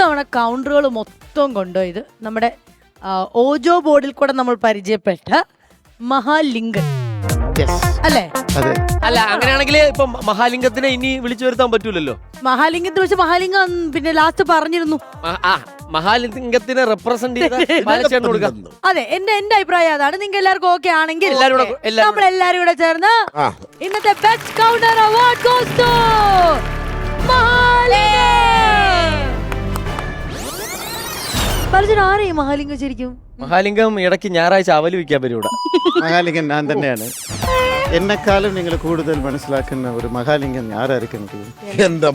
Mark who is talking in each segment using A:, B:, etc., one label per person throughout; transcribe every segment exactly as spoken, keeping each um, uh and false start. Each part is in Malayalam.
A: ഇത്തവണ കൗണ്ടറുകൾ മൊത്തം കൊണ്ടുപോയത് നമ്മുടെ ഓജോ ബോർഡിൽ കൂടെ നമ്മൾ പരിചയപ്പെട്ട മഹാലിംഗൻ അല്ലേ?
B: അല്ല അങ്ങനെയാണെങ്കിൽ ഇപ്പൊ മഹാലിംഗത്തിനെ ഇനി വിളിച്ചു വരുത്താൻ പറ്റൂലല്ലോ.
A: മഹാലിംഗത്തെ വെച്ച് മഹാലിംഗം പിന്നെ ലാസ്റ്റ് പറഞ്ഞിരുന്നു
B: മഹാലിംഗത്തിനെ റെപ്രസെന്റ് ചെയ്ത് കൊടുക്കാം.
A: അതെ, എന്റെ എന്റെ അഭിപ്രായം അതാണ്. നിങ്ങൾക്ക് എല്ലാവർക്കും ഓക്കെ ആണെങ്കിൽ നമ്മൾ എല്ലാരും കൂടെ ചേർന്ന് ഇന്നത്തെ best counter award goes to Mahalingam. ആരെയും മഹാലിംഗം ശരിക്കും
B: മഹാലിംഗം ഇടയ്ക്ക് ഞായറാഴ്ച അവലി വയ്ക്കാൻ വരും ഇവിടെ.
C: മഹാലിംഗൻ ഞാൻ തന്നെയാണ്. എന്നെക്കാളും നിങ്ങൾ കൂടുതൽ മനസ്സിലാക്കുന്ന ഒരു മഹാലിംഗം ആരായിരിക്കും?
D: എന്താ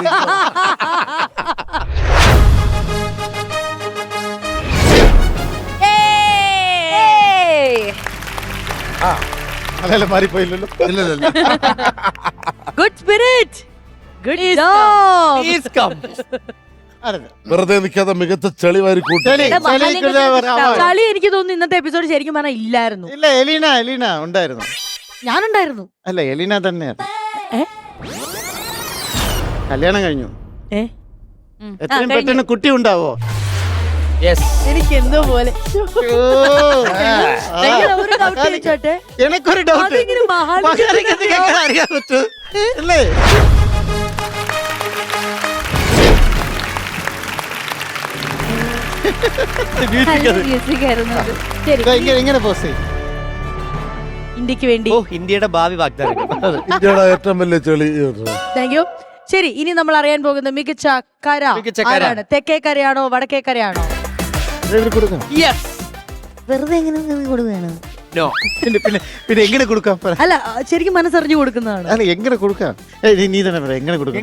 C: അല്ല മാറിപ്പോയില്ലല്ലോ.
A: Good spirit, good job.
D: വെറുതെ നിൽക്കാതെ മികച്ച ചെളി വാരി കൂട്ടി.
A: ചളി എനിക്ക് തോന്നുന്നു ഇന്നത്തെ എപ്പിസോഡ് ശരിക്കും പറഞ്ഞാൽ ഇല്ലായിരുന്നു.
C: ഇല്ല, എലീന എലീന ഉണ്ടായിരുന്നു.
A: ഞാനുണ്ടായിരുന്നു.
C: അല്ല, എലീന തന്നെയാണ്. കല്യാണം കഴിഞ്ഞു. എത്രയും പെട്ടെന്ന് കുട്ടി ഉണ്ടാവോ?
A: എനിക്ക് എന്തോ പോലെ
C: എനിക്കൊരു ഡൗട്ട്. അറിയാൻ പറ്റൂ അല്ലേ? ഇങ്ങനെ പോസ് ചെയ്യും
A: ഇന്ത്യക്ക് വേണ്ടി.
B: ഇന്ത്യയുടെ ഭാവി വാഗ്ദാനം.
D: ഇന്ത്യയുടെ ഏറ്റവും വലിയ ചെളി.
A: Thank you. ശരി, ഇനി നമ്മൾ അറിയാൻ പോകുന്ന മികച്ച കര ആരാണ്? തെക്കേ കരയാണോ വടക്കേ കരയാണോ? വെറുതെ എങ്ങനെ കൊടുക്കുകയാണ്?
C: പിന്നെ പിന്നെ എങ്ങനെ കൊടുക്കാം?
A: അല്ല, ശരിക്കും മനസ്സറിഞ്ഞു കൊടുക്കുന്നതാണ്.
C: അല്ല, എങ്ങനെ കൊടുക്കാം? നീ തന്നെ പറയാം എങ്ങനെ കൊടുക്കാം.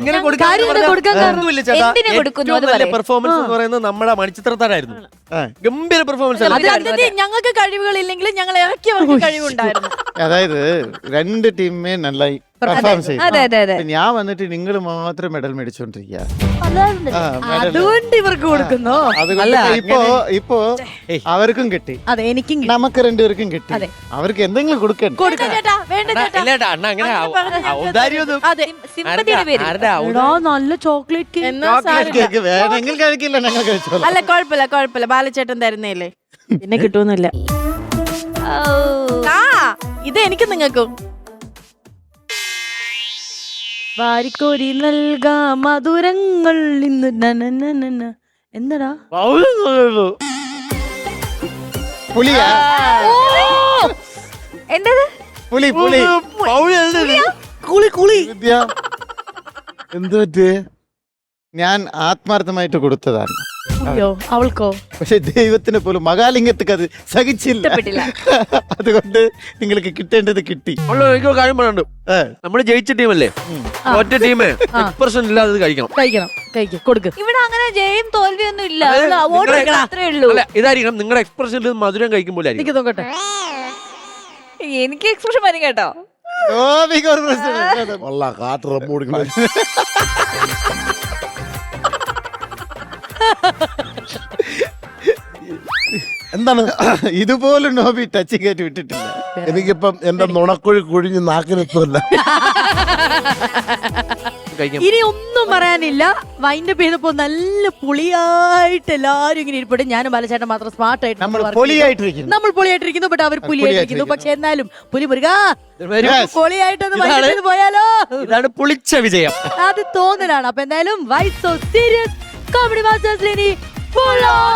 B: പെർഫോമൻസ് എന്ന് പറയുന്നത് നമ്മുടെ മണിച്ചിത്രത്താരായിരുന്നു. ഗംഭീര പെർഫോമൻസ്.
A: ഞങ്ങൾക്ക് കഴിവുകളില്ലെങ്കിലും ഞങ്ങൾ ഇറക്കിയവർക്ക് കഴിവുണ്ടായിരുന്നു.
C: അതായത് രണ്ട് ടീമേ നന്നായി പെർഫോം ചെയ്യും. ഞാൻ വന്നിട്ട് നിങ്ങൾ മാത്രം മെഡൽ മേടിച്ചോണ്ടിരിക്കുക.
A: അതുകൊണ്ട് ഇവർക്ക് കൊടുക്കുന്നു.
C: ഇപ്പോ ഇപ്പോ അവർക്കും കിട്ടി,
A: അതെ എനിക്കും
C: നമുക്ക് രണ്ടുപേർക്കും കിട്ടി. അവർക്ക് എന്തെങ്കിലും കൊടുക്കണം.
A: നല്ല ചോക്ലേറ്റ്
C: കേക്ക് വേണമെങ്കിൽ കഴിക്കില്ല, ഞങ്ങൾ കഴിച്ചോളാം.
E: അല്ല, കുഴപ്പമില്ല കുഴപ്പമില്ല, ബാലച്ചേട്ടൻ തരുന്നേല്ലേ, പിന്നെ കിട്ടുമെന്നില്ല. ആ ഇത് എനിക്ക് നിങ്ങൾക്കും
A: വാരിക്കോരി നൽകാ മധുരങ്ങൾ ഇന്ന്. എന്താടാ
C: പുലിയാ?
A: എന്തത്?
C: പുലി പുലി
A: കുളി കുളി.
C: എന്ത് പറ്റേ? ഞാൻ ആത്മാർത്ഥമായിട്ട് കൊടുത്തതാണ്.
A: അവൾക്കോ?
C: പക്ഷെ ദൈവത്തിന് പോലും മഹാലിംഗത്തേക്ക് അത് സഹിച്ചില്ല. അതുകൊണ്ട് നിങ്ങൾക്ക് കിട്ടേണ്ടത് കിട്ടി.
B: കാര്യം പറയാനുണ്ട്, നമ്മള് ജയിച്ച ടീമല്ലേ, ഒറ്റ ടീമേ എക്സ്പ്രഷൻ ഇല്ലാതെ കഴിക്കണം.
A: കഴിക്കണം കഴിക്കും കൊടുക്കും.
E: ഇവിടെ അങ്ങനെ ജയം തോൽവിയൊന്നും ഇല്ല, അത്രേ ഉള്ളൂ.
B: ഇതായിരിക്കണം നിങ്ങളുടെ എക്സ്പ്രഷൻ മധുരം കഴിക്കുമ്പോൾ.
A: എനിക്ക് നോക്കട്ടെ,
E: എനിക്ക് എക്സ്പ്രഷൻ വരും കേട്ടോ.
D: കാട്ട് റബ്ബ് കൊടുക്കണം.
C: എന്താണ് ഇതുപോലും നോബി ടച്ച് കയറ്റി വിട്ടിട്ടില്ല.
D: എനിക്കിപ്പം എന്റെ നുണക്കുഴി കുഴിഞ്ഞ് നാക്കിനെത്തുമല്ല.
A: ഇനി ഒന്നും പറയാനില്ല. വൈൻഡപ്പ് ചെയ്തപ്പോ നല്ല പുളിയായിട്ട് എല്ലാരും ഇങ്ങനെ ഇരിപ്പുണ്ട്. ഞാനും ബാലചേട്ടൻ മാത്രം സ്മാർട്ട് ആയിട്ട് നമ്മൾ പൊളിയായിട്ടിരിക്കുന്നു. നമ്മൾ പൊളിയായിട്ടിരിക്കുന്നു, ബട്ട് അവർ പുലിയായിട്ടിരിക്കുന്നു. പക്ഷെ എന്നാലും പുലി മുരുക പൊളിയായിട്ടൊന്ന് വൈകിട്ട് പോയാലോ?
B: ഇതാണ് പുളിച്ച വിജയം.
A: അത് തോന്നലാണ്. അപ്പൊ എന്തായാലും വൈ സോ സീരിയസ് കോമഡി മാസ്റ്റേഴ്സിൽ ഇനി